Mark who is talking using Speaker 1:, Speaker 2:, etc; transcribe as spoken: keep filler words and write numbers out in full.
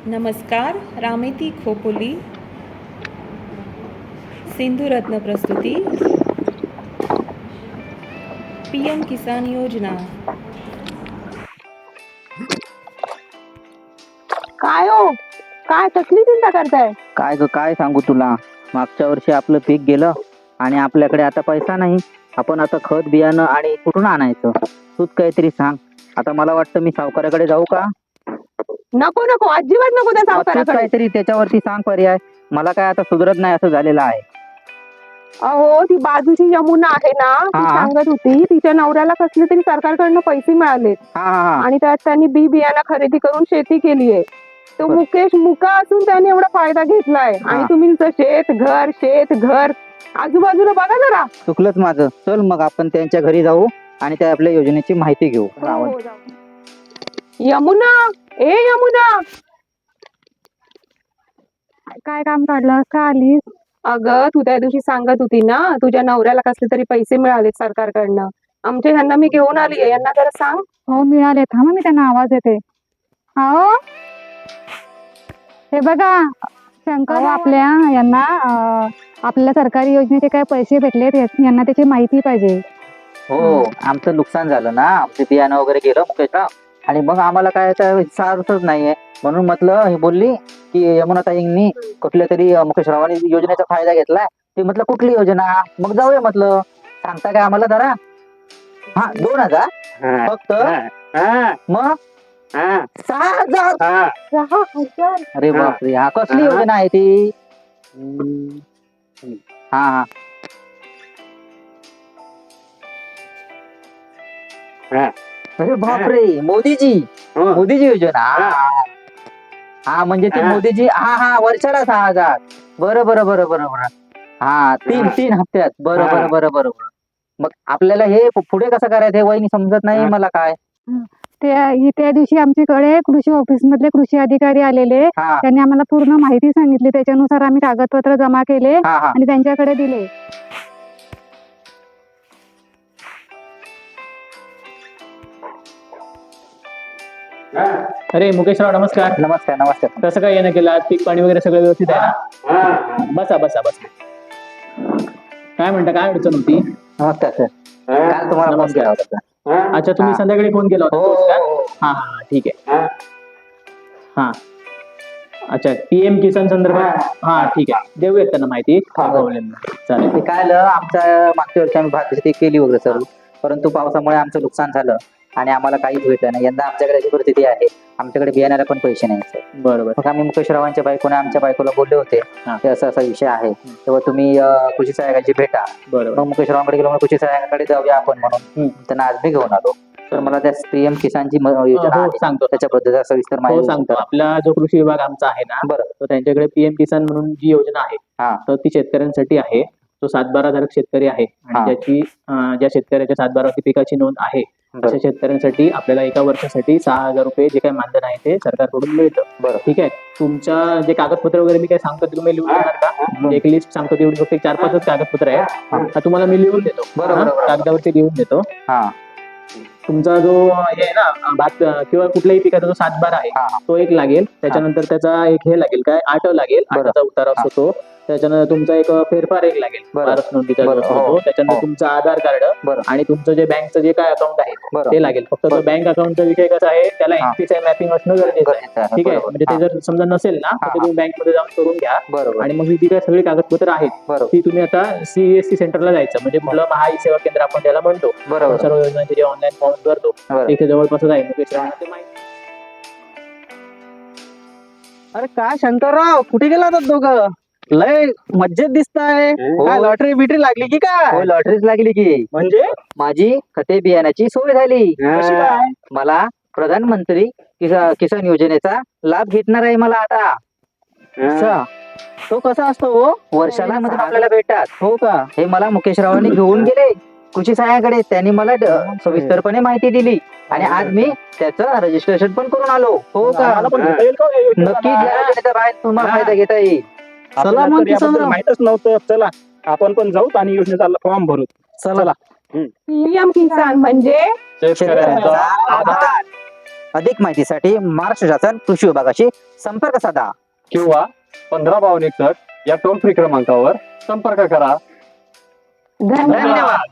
Speaker 1: नमस्कार. रामेती खोपोली सिंधुरत्न प्रस्तुती P M किसान योजना.
Speaker 2: काय हो, काय कसली चिंता करताय?
Speaker 3: काय ग काय सांगू तुला. मागच्या वर्षी आपलं पीक गेलं आणि आपल्याकडे आता पैसा नाही. आपण आता खत बियाणं आणि कुठून आणायचं तूच काहीतरी सांग. आता मला वाटतं मी सावकाराकडे जाऊ का.
Speaker 2: नको नको, अजिबात नको त्या
Speaker 3: तूच
Speaker 2: सावकाराकडे.
Speaker 3: काहीतरी त्याच्यावरती सांग पर्याय. मला काय आता सुधरत नाही असं झालेलं आहे.
Speaker 2: अहो, ती बाजूची यमुना आहे ना, ती
Speaker 3: हा.
Speaker 2: सांगत होती तिच्या नवऱ्याला कसले तरी सरकारकडनं पैसे मिळाले
Speaker 3: हा हा हा
Speaker 2: आणि त्यात त्यांनी बी बियाणं खरेदी करून शेती केली आहे. तो
Speaker 3: बर.
Speaker 2: मुकेश मुका असून त्याने एवढा फायदा घेतलाय आणि
Speaker 3: हा.
Speaker 2: तुम्ही नुसतं शेत घर शेत घर आजूबाजूला बघा जरा.
Speaker 3: चुकलंच माझं. चल मग आपण त्यांच्या घरी जाऊ आणि त्या आपल्या योजनेची माहिती घेऊ.
Speaker 2: हो, जाऊ. यमुना, ए यमुना, काय काम काढलं का आलीस? अगं, तू त्या दिवशी सांगत होती ना तुझ्या नवऱ्याला कसले तरी पैसे मिळाले सरकारकडनं. आमच्या ह्यांना मी घेऊन आली आहे, यांना जरा सांग. हो मिळाले, थांबा मी त्यांना आवाज देते. हो, हे बघा शंकर, आपल्या यांना अं, आपल्याला सरकारी योजनेचे काय पैसे भेटलेत यांना त्याची माहिती पाहिजे.
Speaker 3: हो, आमचं नुकसान झालं ना. आमचे बियाणं वगैरे गेलं मुकेशराव आणि मग आम्हाला काय सार्थच नाहीये. म्हणून म्हटलं ही बोलली की यमुनाताईंनी कुठल्या तरी अं, मुकेशरावांनी योजनेचा फायदा घेतलाय. ते म्हटलं कुठली योजना. मग जाऊया म्हटलं. सांगता काय आम्हाला जरा. हा, दोन हजार फक्त. मग सहा हजार.
Speaker 2: सहा हजार.
Speaker 3: अरे बापरे, हा कसली योजना आहे ती. हा हा अरे बापरे, मोदीजी मोदीजी योजना. हा, हा. हा म्हणजे ती मोदीजी. हा हा वर्षाला सहा हजार. बरं बरं बरं बरं बरं. हा, तीन तीन हप्त्यात. बरं बरं बरं बरं बरं. मग आपल्याला हे पुढे कसं करायचं हे वहिनी समजत नाही मला काय.
Speaker 2: त्या त्या दिवशी आमच्याकडे कृषी ऑफिस मधले कृषी अधिकारी आलेले.
Speaker 3: हा
Speaker 2: त्यांनी आम्हाला पूर्ण माहिती सांगितली. त्याच्यानुसार आम्ही कागदपत्र जमा केले
Speaker 3: हा हा
Speaker 2: आणि त्यांच्याकडे दिले.
Speaker 4: अरे मुकेशराव, नमस्कार.
Speaker 3: नमस्कार नमस्कार.
Speaker 4: कसं काय येणं केलं? पीक पाणी वगैरे सगळं व्यवस्थित आहे ना? बसा बसा बसा. काय म्हणता, काय अडचण होती?
Speaker 3: नमस्कार सर. काल तुम्हाला फोन
Speaker 4: नमस्कार.
Speaker 3: केला होता सर.
Speaker 4: अच्छा, तुम्ही
Speaker 3: हा.
Speaker 4: संध्याकाळी फोन केला होता
Speaker 3: हो,
Speaker 4: तोच का?
Speaker 3: हो, हो.
Speaker 4: हा हा ठीक आहे. हा अच्छा, पीएम किसान संदर्भात. हा ठीक आहे, देऊयात त्यांना माहिती.
Speaker 3: हा.
Speaker 4: प्रॉब्लेम नाही, चालेल.
Speaker 3: ते काय झालं, आमच्या मागच्या वर्षी आम्ही भात शेती केली वगैरे सर्व, परंतु पावसामुळे आमचं नुकसान झालं आणि आम्हाला काहीच भेटलं नाही. यंदा आमच्याकडे अशी परिस्थिती आहे, आमच्याकडे बियाण्याला पण पैसे नाही सर.
Speaker 4: बरोबर.
Speaker 3: मग आम्ही मुकेशरावांच्या बायकोने आमच्या बायकोला बोलले होते
Speaker 4: हा.
Speaker 3: की असा असा विषय आहे, तेव्हा तुम्ही अं, कृषी सहाय्यकाची भेटा.
Speaker 4: बरोबर.
Speaker 3: मग मुकेशरावांकडे गेलो, मग कृषी सहाय्यकाकडे जाऊया आपण म्हणून
Speaker 4: हम्म.
Speaker 3: त्यांना आज मी घेऊन आलो. तर मला त्या पीएम किसानची म- योजना
Speaker 4: हो,
Speaker 3: आहे
Speaker 4: सांगतो.
Speaker 3: त्याच्याबद्दल सविस्तर
Speaker 4: हो
Speaker 3: माहिती
Speaker 4: सांगतो.
Speaker 3: करा.
Speaker 4: आपला जो कृषी विभाग आमचा आहे ना,
Speaker 3: बरं.
Speaker 4: तर त्यांच्याकडे पीएम किसान म्हणून जी योजना आहे,
Speaker 3: हा
Speaker 4: तर ती शेतकऱ्यांसाठी आहे. तो सातबारा धारक शेतकरी आहे
Speaker 3: हा.
Speaker 4: आणि ज्याची अं, ज्या शेतकऱ्याच्या सातबारावरती पिकाची नोंद आहे
Speaker 3: बरं.
Speaker 4: अशा शेतकऱ्यांसाठी आपल्याला एका वर्षासाठी सहा हजार रुपये जे काही मानधन आहे ते सरकारकडून मिळतं.
Speaker 3: बरं.
Speaker 4: ठीक आहे. तुमच्या जे कागदपत्र वगैरे मी काय सांगतो ते तुम्ही लिहून देणार का? एक लिस्ट सांगतो तेवढी, फक्त एक चार पाचच कागदपत्र आहे. हा, तुम्हाला मी लिहून देतो.
Speaker 3: बरं,
Speaker 4: हा,
Speaker 3: बरं, बरं.
Speaker 4: कागदावरती लिहून देतो.
Speaker 3: हा
Speaker 4: तुमचा जो हे आहे ना भात किंवा कुठल्याही पिकाचा जो सातबारा आहे
Speaker 3: हा.
Speaker 4: तो एक लागेल. त्याच्यानंतर त्याचा एक हे लागेल, काय आठ लागेल,
Speaker 3: बरं.
Speaker 4: आठाचा उतारा असतो तो. त्याच्यानंतर तुमचा एक फेरफार एक लागेल,
Speaker 3: बरं.
Speaker 4: वारस नोंदीचा जो
Speaker 3: बरं.
Speaker 4: असतो
Speaker 3: हो.
Speaker 4: तो. त्याच्यानंतर
Speaker 3: हो.
Speaker 4: तुमचं आधार कार्ड
Speaker 3: बरं.
Speaker 4: आणि तुमचं जे बँकचं जे काय अकाउंट आहे
Speaker 3: बरं.
Speaker 4: ते लागेल. फक्त तो
Speaker 3: बरं.
Speaker 4: बँक अकाउंटचा विषय कसा आहे, त्याला
Speaker 3: हा.
Speaker 4: एनपीसीआय मॅपिंग असणं गरजेचं आहे.
Speaker 3: गरजेचं आहे.
Speaker 4: ठीक आहे.
Speaker 3: बरोबर.
Speaker 4: म्हणजे ते
Speaker 3: हा.
Speaker 4: जर समजा नसेल ना तर
Speaker 3: हा,
Speaker 4: ते
Speaker 3: हा.
Speaker 4: तुम्ही बँकमध्ये जाऊन करून घ्या.
Speaker 3: बरोबर.
Speaker 4: आणि मग ही जी काय सगळी कागदपत्र आहेत
Speaker 3: बरोबर.
Speaker 4: ती तुम्ही आता सीएससी सेंटरला जायचं, म्हणजे कुठलं महा ई सेवा केंद्र आपण त्याला म्हणतो.
Speaker 3: बरोबर.
Speaker 4: आपण सर्व योजनांचे जे ऑनलाईन फॉर्म भरतो
Speaker 3: बरं.
Speaker 4: तिथे जवळपासच आहे. मुकेश रावांना ते माहिती.
Speaker 5: अरे काय शंकरराव, कुठे गेला होता दोघं? लय मज्जेत दिसताय.
Speaker 3: हो.
Speaker 5: काय लॉटरी बिटरी लागली की
Speaker 3: हो,
Speaker 5: काय?
Speaker 3: लॉटरीच लागली की.
Speaker 5: म्हणजे
Speaker 3: माझी खते बियाण्याची सोय झाली.
Speaker 5: कशी काय?
Speaker 3: मला प्रधानमंत्री किसा- किसान योजनेचा लाभ भेटणार आहे मला आता.
Speaker 5: अच्छा, तो कसा असतो हो?
Speaker 3: वर्षाला मध्ये आपल्याला भेटतात.
Speaker 5: हो का?
Speaker 3: हे मला मुकेशरावांनी घेऊन गेले कृषी सहाय्याकडे. त्यांनी मला ड- सविस्तरपणे माहिती दिली आणि आज मी त्याचं रजिस्ट्रेशन पण करून आलो.
Speaker 5: हो का?
Speaker 6: आम्हाला पण घेता येईल का हो या योजनेचा
Speaker 3: नक्कीच
Speaker 6: लाभ?
Speaker 3: या योजनेचा बाहेर तुम्हाला
Speaker 6: हा.
Speaker 3: फायदा घेता येईल.
Speaker 5: चला
Speaker 6: आपल्याला
Speaker 5: मग
Speaker 6: तर याबद्दल
Speaker 5: किसनराव.
Speaker 6: माहीतच नव्हतं. चला आपण पण जाऊ आणि योजनेचा फॉर्म भरू.
Speaker 5: चला.
Speaker 2: पीएम किसान म्हणजे
Speaker 6: शेतकऱ्यांचा आधार.
Speaker 3: अधिक माहितीसाठी महाराष्ट्र शासन कृषी विभागाशी संपर्क साधा.
Speaker 6: किंवा पंधरा बावन्न एकसष्ट या टोल फ्री क्रमांकावर संपर्क करा.
Speaker 2: धन्यवाद.
Speaker 3: धन्यवाद.